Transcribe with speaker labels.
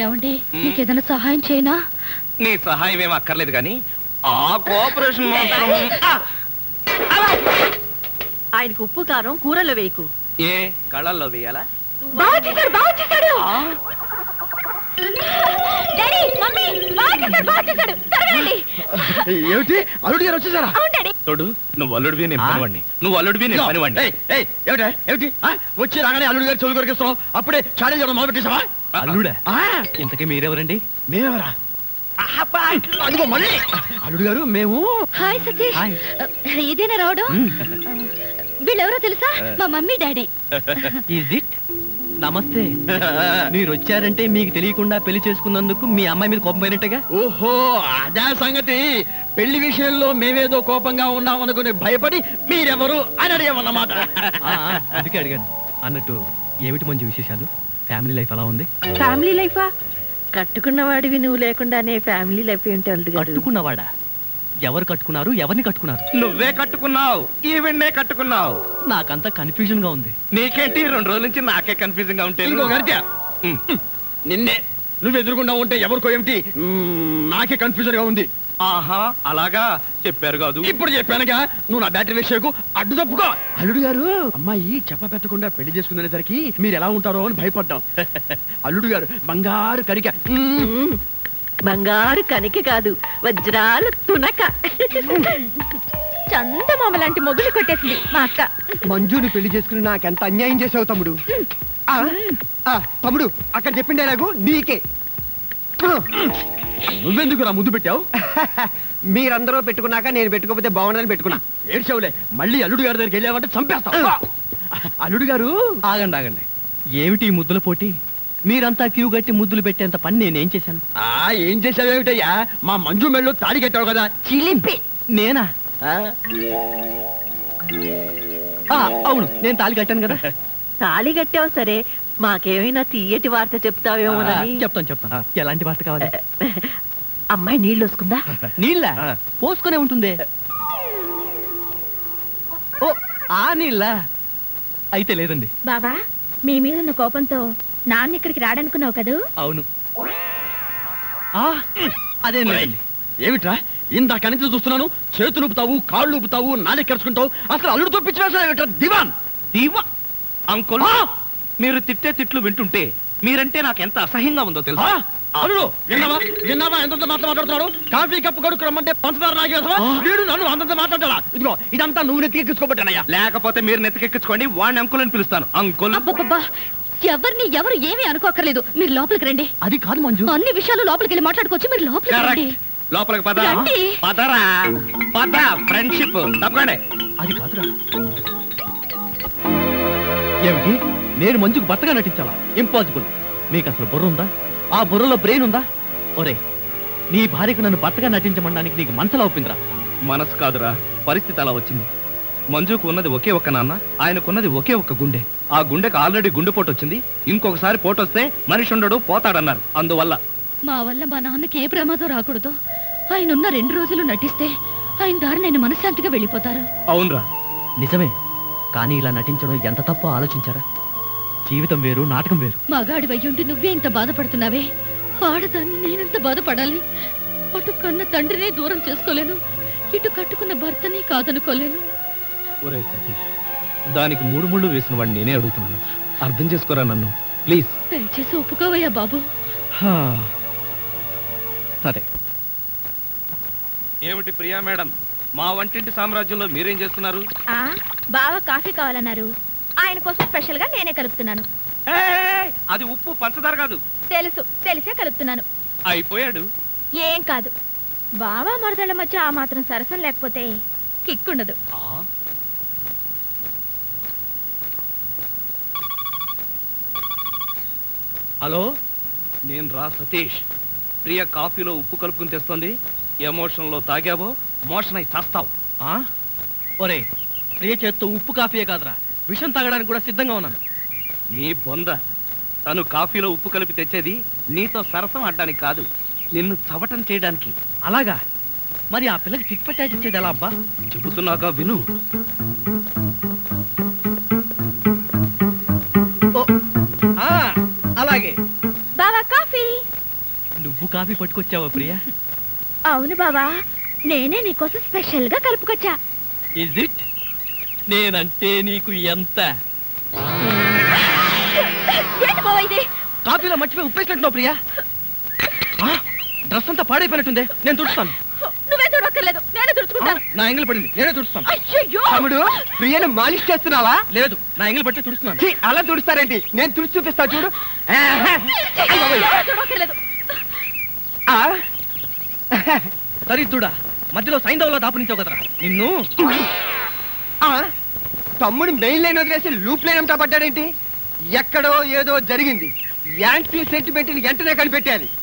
Speaker 1: ఏమండి నీకేదైనా సహాయం చేయనా?
Speaker 2: నీ సహాయం ఏం అక్కర్లేదు కానీ ఆ కోఆపరేషన్
Speaker 3: ఆయనకు ఉప్పు కారం కూరలో వేయకు.
Speaker 2: ఏ కళ్ళల్లో వేయాలా?
Speaker 4: ఏమిటి అల్లుడు గారు వచ్చేసారా?
Speaker 2: తోడు నువ్వు అల్లుడివి నేను పనివాడిని, నువ్వు అల్లుడివి నేను పనివాడిని.
Speaker 4: ఏమిటి వచ్చి రాగానే అల్లుడు గారు చెవులు కొరికిస్తాం, అప్పుడే చాడీ చేయడం మొదలు పెట్టేసావా?
Speaker 2: అల్లుడా? ఇంతకీ మీరెవరండి?
Speaker 4: మేమెవరా? అదిగో మళ్ళీ అల్లుడు గారు మేము.
Speaker 1: హాయ్ సతీష్, ఇదేనా రావడం? వీళ్ళెవరో తెలుసా? మా మమ్మీ డాడీ.
Speaker 5: Is it? నమస్తే. మీరు వచ్చారంటే మీకు తెలియకుండా పెళ్లి చేసుకున్నందుకు మీ అమ్మాయి మీద కోపం పోయినట్టుగా.
Speaker 4: ఓహో అదే సంగతి. పెళ్లి విషయంలో మేమేదో కోపంగా ఉన్నాం అనుకుని భయపడి మీరెవరు అని అడిగామన్నమాట.
Speaker 5: అందుకే అడిగాను. అన్నట్టు ఏమిటి మంచి విశేషాలు? ఫ్యామిలీ లైఫ్ ఎలా ఉంది?
Speaker 3: ఫ్యామిలీ లైఫా? కట్టుకున్నవాడివి నువ్వు లేకుండానే ఫ్యామిలీ లైఫ్ ఏంటి అల్లుడు గారు?
Speaker 5: కట్టుకున్నవాడా? ఎవరు కట్టుకున్నారు? ఎవరిని కట్టుకున్నారు?
Speaker 2: నువ్వే కట్టుకున్నావు, ఈవెన్నే కట్టుకున్నావు.
Speaker 5: నాకంతా కన్ఫ్యూజన్ గా ఉంది.
Speaker 2: నీకేంటి 2 రోజుల నుంచి నాకే కన్ఫ్యూజింగ్ గా ఉంటే?
Speaker 4: నిన్నే నువ్వు ఎదురుకుండా ఉంటే ఎవరికో ఏమిటి నాకే కన్ఫ్యూజన్ గా ఉంది.
Speaker 2: ఆహా అలాగా చెప్పారు కాదు.
Speaker 4: ఇప్పుడు చెప్పానుగా, నువ్వు నా బ్యాటరీ విషయకు అడ్డు తప్పుకో. అల్లుడు గారు అమ్మాయి చెప్ప పెట్టకుండా పెళ్లి చేసుకునేసరికి మీరు ఎలా ఉంటారో అని భయపడ్డాం. అల్లుడు గారు బంగారు కరిక.
Speaker 3: బంగారు కనికి కాదు, వజ్రాలు తునక.
Speaker 1: చందమామ లాంటి మొగులు కొట్టేసింది మా అక్క.
Speaker 6: మంజుని పెళ్లి చేసుకుని నాకెంత అన్యాయం చేసావు తమ్ముడు. తమ్ముడు అక్కడ చెప్పిండే నాకు నీకే.
Speaker 4: నువ్వెందుకు నా ముద్దు పెట్టావు?
Speaker 6: మీరందరూ పెట్టుకున్నాక నేను పెట్టుకోకపోతే బాగుండదని పెట్టుకున్నా.
Speaker 4: ఏడ్చావులే, మళ్ళీ అల్లుడు గారి దగ్గరికి వెళ్ళావంటే చంపేస్తా. అల్లుడు గారు
Speaker 5: ఆగండి. ఏమిటి ఈ ముద్దుల పోటీ? మీరంతా క్యూ గట్టి ముద్దులు పెట్టేంత పని నేనేం చేశాను?
Speaker 4: ఏం చేసావేమిటయ్యా? మా మంజు మెళ్ళు తాడి కట్టావు కదా.
Speaker 5: చిలిపి. నేనా? అవును, నేను తాళి కట్టాను కదా.
Speaker 3: తాళి కట్టావు సరే, మాకేమైనా తీయటి వార్త చెప్తావేమోనని.
Speaker 5: చెప్తాను. ఎలాంటి వార్త కావాలి?
Speaker 3: అమ్మాయి నీళ్ళు వస్తుందా?
Speaker 5: నీళ్ళ పోసుకునే ఉంటుంది. ఓ ఆ నీళ్ళ అయితే లేదండి.
Speaker 1: బావా, మీ మీద ఉన్న కోపంతో నాన్న ఇక్కడికి రాడనుకున్నావు కదూ?
Speaker 5: అవును. అదేం లేదండి.
Speaker 4: ఏమిట్రా ఇందాక నుంచి చూస్తున్నాను, చేతులు ఊపుతావు, కాళ్ళు ఊపుతావు, నాలుగు కరుచుకుంటావు. అసలు అల్లుడు తప్పించిన దివాన్
Speaker 2: దీవా అంకుల్, మీరు తిట్టే తిట్లు వింటుంటే మీరంటే నాకు ఎంత అసహ్యంగా ఉందో తెలుసా?
Speaker 4: అల్లుడు విన్నావా ఎంత మాట్లాడుతున్నాడు? కాఫీ కప్పు కడుకు రమ్మంటే పంచదార నాగేసా వీడు నన్ను అంతంత మాట్లాడాలా? ఇదిగో ఇదంతా నువ్వు నెత్తికెక్కించుకోబట్టానయ్యా.
Speaker 2: లేకపోతే మీరు నెత్తికెక్కించుకోండి, వాడిని అంకుల్ అని పిలుస్తాను. అంకుల్
Speaker 1: ఎవరు ఏమీ అనుకోకర్లేదు, మీరు లోపలికి రండి.
Speaker 5: అది కాదు మంజు,
Speaker 1: అన్ని విషయాలు లోపలికి వెళ్ళి మాట్లాడుకోవచ్చు. మీరు లోపలికి రండి.
Speaker 2: లోపలికి పదరా, ఫ్రెండ్షిప్ తప్పకండి.
Speaker 5: అది కాదురా. ఏమిటి నేను మంజుకు భర్తగా నటించాలా? ఇంపాసిబుల్. మీకు అసలు బుర్ర ఉందా? ఆ బుర్రలో బ్రెయిన్ ఉందా? ఒరే, నీ భార్యకు నన్ను భర్తగా నటించమనడానికి నీకు మనసులా ఒప్పిందిరా?
Speaker 2: మనసు కాదురా, పరిస్థితి అలా వచ్చింది. మంజుకు ఉన్నది ఒకే ఒక్క నాన్న, ఆయనకున్నది ఒకే ఒక్క గుండె. ఆ గుండెకు ఆల్రెడీ గుండెపోటు వచ్చింది. ఇంకొకసారి పోటు వస్తే మనిషి ఉండడు, పోతాడన్నారు. అందువల్ల
Speaker 1: మా వల్ల మా నాన్నకి ఏ ప్రమాదం రాకూడదు. ఆయన ఉన్న 2 రోజులు నటిస్తే ఆయన దారి నేను మనశ్శాంతిగా వెళ్ళిపోతారు.
Speaker 2: అవునరా,
Speaker 5: నిజమే. కానీ ఇలా నటించడం ఎంత తప్పో ఆలోచించారా? జీవితం వేరు, నాటకం వేరు.
Speaker 1: మగాడి వయ్యుండి నువ్వే ఇంత బాధపడుతున్నావే, ఆడదాన్ని నేనెంత బాధపడాలి? అటు కన్న తండ్రినే దూరం చేసుకోలేను, ఇటు కట్టుకున్న భర్తని కాదనుకోలేను.
Speaker 2: ఒరే సతీష్, దానికి 3 ముళ్ళు వేసిన వాడిని నేనే అడుగుతున్నాను. అర్థం చేసుకోరా నన్ను ప్లీజ్.
Speaker 1: దయచేసి ఒప్పుకోవయ్యా బాబు.
Speaker 5: సరే.
Speaker 2: ఏమిటి ప్రియా మేడం, మా వంటింటి సామ్రాజ్యంలో మీరేం చేస్తున్నారు?
Speaker 1: బాగా కాఫీ కావాలన్నారు, ఆయన కోసం స్పెషల్ గా నేనే కలుపుతున్నాను.
Speaker 2: అది ఉప్పు పంచదార కాదు.
Speaker 1: తెలిసే కలుపుతున్నాను.
Speaker 2: అయిపోయాడు.
Speaker 1: ఏం కాదు, బావా మరదళ్ళ మధ్య ఆ మాత్రం సరసం లేకపోతే కిక్కుండదు.
Speaker 5: హలో,
Speaker 2: నేను రా సతీష్. ప్రియ కాఫీలో ఉప్పు కలుపుకుని తెస్తుంది. ఎమోషన్ లో తాగావో మోషన్ అయి చేస్తావు.
Speaker 5: ఒరే, ప్రియ చేత్తో ఉప్పు కాఫీయే కాదురా, విషం తాగడానికి కూడా సిద్ధంగా ఉన్నాను.
Speaker 2: నీ బొంద. తను కాఫీలో ఉప్పు కలిపి తెచ్చేది నీతో సరసం ఆడడానికి కాదు, నిన్ను చవటం చేయడానికి.
Speaker 5: అలాగా? మరి ఆ పిల్లకి టిక్ పట్టాచి ఇచ్చేది ఎలా అబ్బా?
Speaker 2: చెబుతున్నాగా విను.
Speaker 5: అలాగే.
Speaker 1: బావా కాఫీ.
Speaker 5: నువ్వు కాఫీ పట్టుకొచ్చావా ప్రియా?
Speaker 1: అవును బావా, నేనే నీకోసం స్పెషల్ గా కలుపుకొచ్చా.
Speaker 5: Is it? నేనంటే నీకు ఎంత?
Speaker 1: ఏంటి బావా ఇది?
Speaker 5: కాఫీలో మర్చిపోయి ఉప్పేసినట్టున్నావు ప్రియా. డ్రెస్ అంతా పాడైపోయినట్టుందే, నేను తుడుస్తాను.
Speaker 1: నువ్వే చూడక్కర్లేదు, నేనే తుడుచుకుంటాను.
Speaker 5: నా ఎంగిల్ పడింది, నేనే తుడుస్తాను.
Speaker 1: అయ్యయ్యో!
Speaker 6: తమ్ముడు ప్రియను మాలిష్ చేస్తున్నావా?
Speaker 5: లేదు, నా ఎంగిల్ పట్టి తుడుస్తున్నాను.
Speaker 6: ఛీ, అలా తుడుస్తారేంటి? నేను తుడిచి చూపిస్తా చూడు.
Speaker 1: ఎవరు చూడక్కర్లేదు.
Speaker 6: ఆ,
Speaker 5: దరిద్రుడా, మధ్యలో సైంధవ్లో దాపునించావు కదరా నిన్ను.
Speaker 6: ఆ, తమ్ముడు మెయిన్ లైన్ వదిలేసి లూప్ లైన్ అంతా పడ్డాడేంటి? ఎక్కడో ఏదో జరిగింది. యాంటీ సెంటిమెంట్ ని వెంటనే కనిపెట్టాలి.